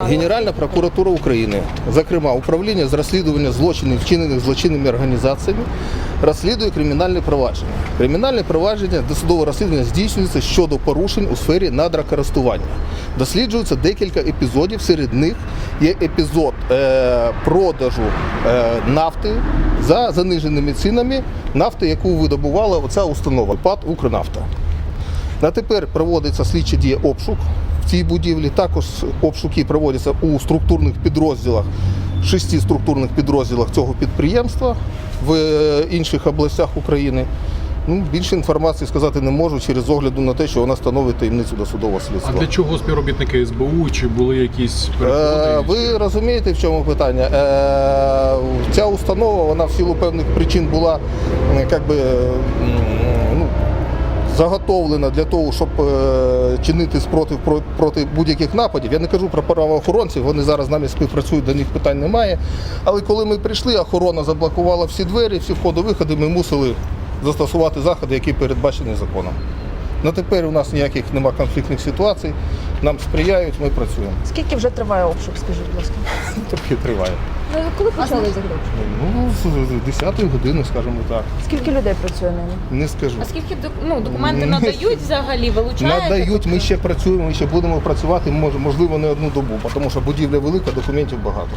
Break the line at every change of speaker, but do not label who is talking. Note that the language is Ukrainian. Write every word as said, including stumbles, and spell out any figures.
Генеральна прокуратура України, зокрема управління з розслідування злочинів, вчинених злочинними організаціями, розслідує кримінальне провадження. Кримінальне провадження, досудове розслідування здійснюється щодо порушень у сфері надрокористування. Досліджується декілька епізодів, серед них є епізод е, продажу е, нафти за заниженими цінами, нафти, яку видобувала оця установа ПАТ «Укрнафта». На тепер проводиться слідча дія обшук в цій будівлі. Також обшуки проводяться у структурних підрозділах, шести структурних підрозділах цього підприємства в інших областях України. Ну, більше інформації сказати не можу через огляду на те, що вона становить таємницю досудового слідства.
А для чого співробітни ес бе у? Чи були якісь переходи?
Е, ви розумієте, в чому питання? Е, ця установа, вона в силу певних причин була як би, ну, заготовлена для того, щоб е, чинити спротив про, проти будь-яких нападів. Я не кажу про правоохоронців, вони зараз з нами співпрацюють, до них питань немає. Але коли ми прийшли, охорона заблокувала всі двері, всі входи-виходи, ми мусили застосувати заходи, які передбачені законом. На тепер у нас ніяких немає конфліктних ситуацій, нам сприяють, ми працюємо.
Скільки вже триває обшук, скажіть, будь ласка?
Трохи триває.
Ну, коли почали взагалі?
Ну, з десятої години, скажімо так.
Скільки людей працює нині?
Не скажу.
А скільки док- ну, документи надають взагалі, вилучаєте?
Надають, ми
тобто?
ще працюємо, ми ще будемо працювати, може, можливо, не одну добу, тому що будівля велика, документів багато.